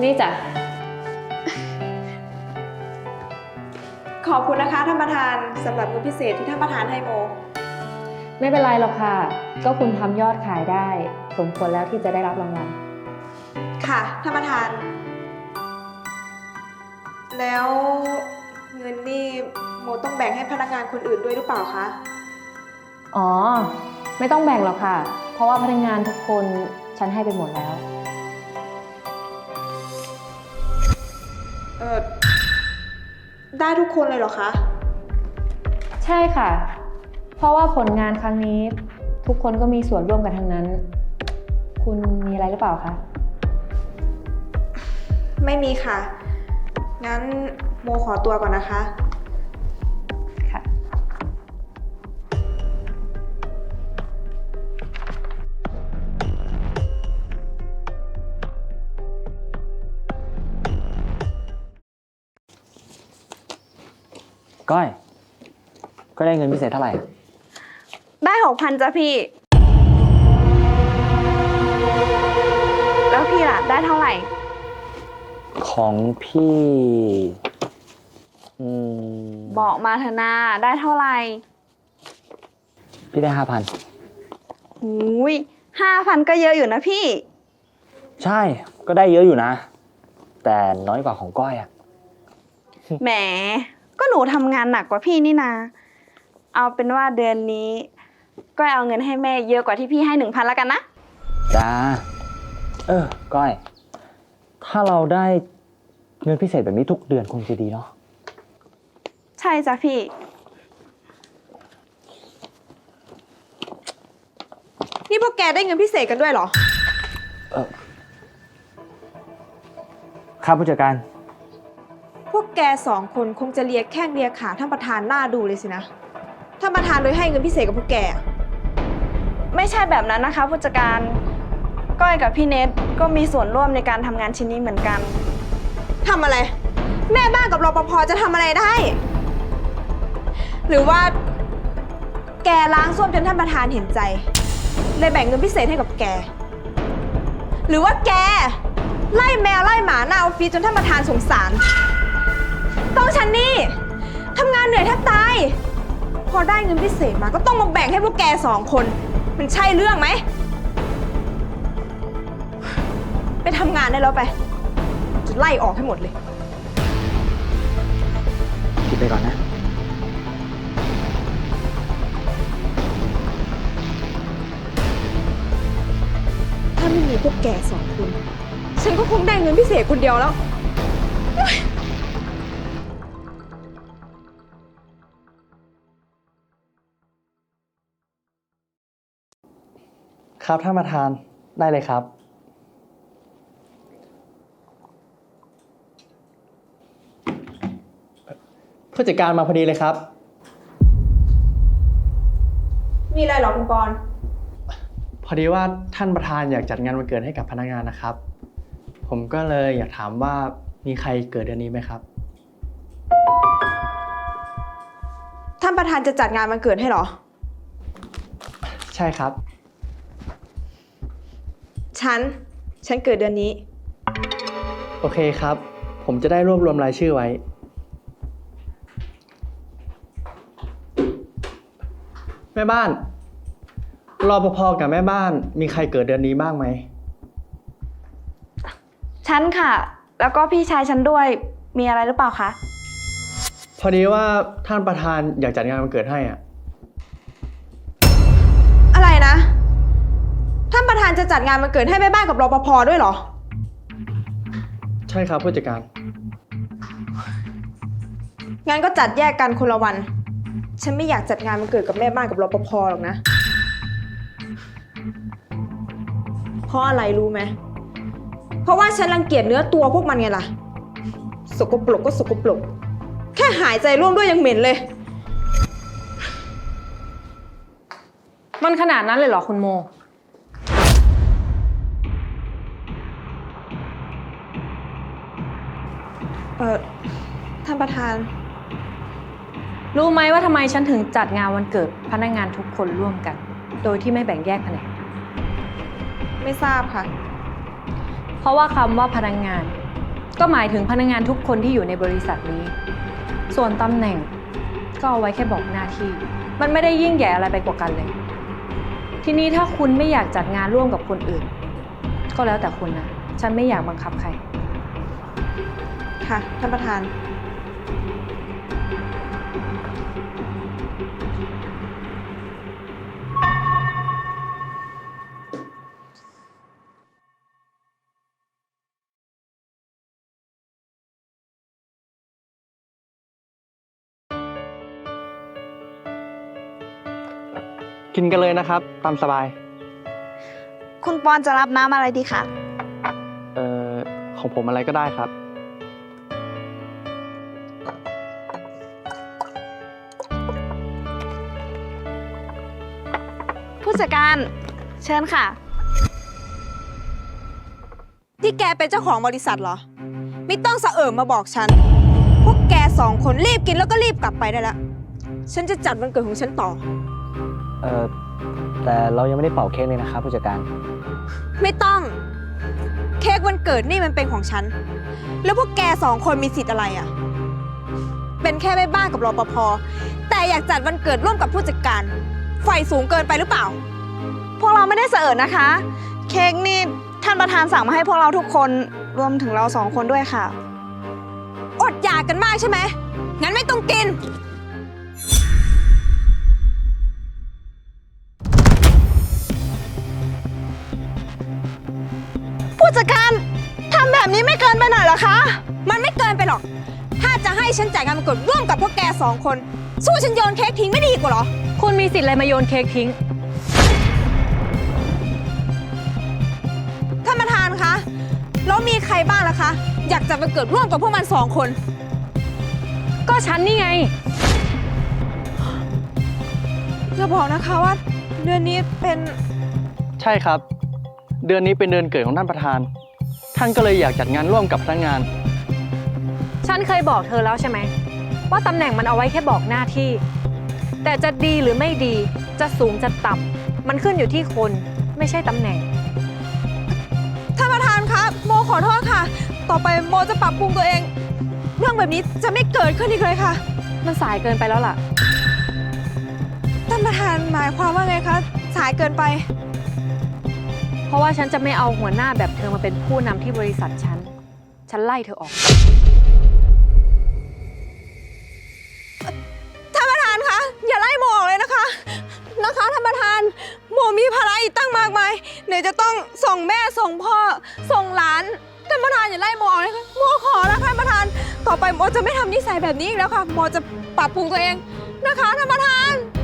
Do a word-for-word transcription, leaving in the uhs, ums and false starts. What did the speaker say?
นี่จ้ะขอบคุณนะคะท่านประธานสำหรับเงินพิเศษที่ท่านประธานให้โมไม่เป็นไรหรอกค่ะก็คุณทำยอดขายได้สมควรแล้วที่จะได้รับรางวัลค่ะท่านประธานแล้วเงินนี่โมต้องแบ่งให้พนักงานคนอื่นด้วยหรือเปล่าคะอ๋อไม่ต้องแบ่งหรอกค่ะเพราะว่าพนักงานทุกคนฉันให้ไปหมดแล้วเออได้ทุกคนเลยเหรอคะใช่ค่ะเพราะว่าผลงานครั้งนี้ทุกคนก็มีส่วนร่วมกันทั้งนั้นคุณมีอะไรหรือเปล่าคะไม่มีค่ะงั้นโมขอตัวก่อนนะคะค่ะก้อยก็ได้เงินพิเศษเท่าไหร่ได้หกพันจ้ะพี่แล้วพี่ล่ะได้เท่าไหร่ของพี่อืมบอกมาเถอะนาได้เท่าไหร่พี่ได้ห้าพันหูยห้าพันก็เยอะอยู่นะพี่ใช่ก็ได้เยอะอยู่นะแต่น้อยกว่าของก้อยอะแหมก็หนูทำงานหนักกว่าพี่นี่นาเอาเป็นว่าเดือนนี้ก้อยเอาเงินให้แม่เยอะกว่าที่พี่ให้หนึ่งพันแล้วกันนะจ้าเออก้อยถ้าเราได้เงินพิเศษแบบนี้ทุกเดือนคงจะดีเนาะใช่จ้ะพี่นี่พวกแกได้เงินพิเศษกันด้วยเหรอเออครับผู้จัดการพวกแกสองคนคงจะเลียแข้งเลียขาท่านประธานหน้าดูเลยสินะท่านประธานเลยให้เงินพิเศษกับพวกแกไม่ใช่แบบนั้นนะคะผู้จัดการก้อยกับพี่เนทก็มีส่วนร่วมในการทำงานชิ้นนี้เหมือนกันทำอะไรแม่บ้านกับรปภจะทำอะไรได้หรือว่าแกล้างส้วมจนท่านประธานเห็นใจเลยแบ่งเงินพิเศษให้กับแกหรือว่าแกไล่แมวไล่หมาหน้าออฟฟิศจนท่านประธานสงสารต้องฉันนี่ทำงานเหนื่อยแทบตายพอได้เงินพิเศษมาก็ต้องมาแบ่งให้พวกแกสองคนมันใช่เรื่องไหมไปทำงานได้แล้วไปจะไล่ออกให้หมดเลยคิดไปก่อนนะถ้าไม่มีพวกแกสองคนฉันก็คงได้เงินพิเศษคนเดียวแล้วครับท่านประธานได้เลยครับผู้จัดการมาพอดีเลยครับมีอะไรหรอคุณปอนพอดีว่าท่านประธานอยากจัดงานวันเกิดให้กับพนักงานนะครับผมก็เลยอยากถามว่ามีใครเกิดเดือนนี้ไหมครับท่านประธานจะจัดงานวันเกิดให้เหรอใช่ครับฉันฉันเกิดเดือนนี้โอเคครับผมจะได้รวบรวมรายชื่อไว้แม่บ้านรปภกับแม่บ้านมีใครเกิดเดือนนี้บ้างไหมฉันค่ะแล้วก็พี่ชายฉันด้วยมีอะไรหรือเปล่าคะพอดีว่าท่านประธานอยากจัดงานวันเกิดให้อ่ะอะไรนะท่านประธานจะจัดงานวันเกิดให้แม่บ้านกับรปภด้วยเหรอใช่ครับผู้จัดการงั้นก็จัดแยกกันคนละวันฉันไม่อยากจัดงานวันเกิดกับแม่บ้านกับรปภหรอกนะเพราะอะไรรู้ไหมเพราะว่าฉันรังเกียจเนื้อตัวพวกมันไงล่ะสกปรกก็สกปรกแค่หายใจร่วมด้วยยังเหม็นเลยมันขนาดนั้นเลยเหรอคุณโมเออท่านประธานรู้ไหมว่าทำไมฉันถึงจัดงานวันเกิดพนักงานทุกคนร่วมกันโดยที่ไม่แบ่งแยกแผนกไม่ทราบค่ะเพราะว่าคำว่าพนักงานก็หมายถึงพนักงานทุกคนที่อยู่ในบริษัทนี้ ส่วนตำแหน่งก็เอาไว้แค่บอกหน้าที่ มันไม่ได้ยิ่งใหญ่อะไรไปกว่ากันเลย ทีนี้ถ้าคุณไม่อยากจัดงานร่วมกับคนอื่น ก็แล้วแต่คุณนะ ฉันไม่อยากบังคับใครค่ะ ท่านประธานกินกันเลยนะครับ ตามสบายคุณปอนจะรับน้ำอะไรดีคะเอ่อ ของผมอะไรก็ได้ครับผู้จัดการ เชิญค่ะ ที่แกเป็นเจ้าของบริษัทเหรอ ไม่ต้องสะเอิมมาบอกฉัน พวกแกสองคนรีบกินแล้วก็รีบกลับไปได้แล้ว ฉันจะจัดวันเกิดของฉันต่อเออแต่เรายังไม่ได้เป่าเค้กเลยนะครับผู้จัดการไม่ต้อง เค้กวันเกิดนี่มันเป็นของฉัน แล้วพวกแกสองคนมีสิทธิ์อะไรอะ่ะ เป็นแค่แม่บ้านกับรปภ แต่อยากจัดวันเกิดร่วมกับผู้จัดการ ไฟสูงเกินไปหรือเปล่าพวกเราไม่ได้เสอิญนะคะ เค้กนี่ท่านประธานสั่งมาให้พวกเราทุกคนรวมถึงเราสองคนด้วยค่ะอดอยากกันมากใช่ไหม งั้นไม่ต้องกินผู้จัดการทำแบบนี้ไม่เกินไปหน่อยเหรอคะมันไม่เกินไปหรอก ถ้าจะให้ฉันจ่ายงานวันเกิดร่วมกับพวกแกสองคน สู้ฉันโยนเค้กทิ้งไม่ดีกว่าเหรอคุณมีสิทธิ์อะไรมาโยนเค้กทิ้งท่านประธานคะ แล้วมีใครบ้างล่ะคะ อยากจัดวันเกิดร่วมกับพวกมันสองคนก็ฉันนี่ไงอย่าบอกนะคะว่าเดือนนี้เป็นใช่ครับ เดือนนี้เป็นเดือนเกิดของท่านประธาน ท่านก็เลยอยากจัดงานร่วมกับพนักงานฉันเคยบอกเธอแล้วใช่ไหมว่าตำแหน่งมันเอาไว้แค่บอกหน้าที่ แต่จะดีหรือไม่ดี จะสูงจะต่ำมันขึ้นอยู่ที่คนไม่ใช่ตำแหน่งท่านประธานคะโมขอโทษค่ะ ต่อไปโมจะปรับปรุงตัวเอง เรื่องแบบนี้จะไม่เกิดขึ้นอีกเลยค่ะมันสายเกินไปแล้วล่ะท่านประธานหมายความว่าไงคะ สายเกินไปเพราะว่าฉันจะไม่เอาหัวหน้าแบบเธอมาเป็นผู้นำที่บริษัทฉัน ฉันไล่เธอออกท่านประธานคะ อย่าไล่โมออกเลยนะคะ นะคะท่านประธาน โมมีภาระอีกตั้งมากมายไหนจะต้องส่งแม่ส่งพ่อ ส่งหลาน ท่านประธานอย่าไล่โมออกเลยค่ะโมขอแล้วท่านประธาน ต่อไปโมจะไม่ทำนิสัยแบบนี้อีกแล้วค่ะ โมจะปรับปรุงตัวเองนะคะท่านประธาน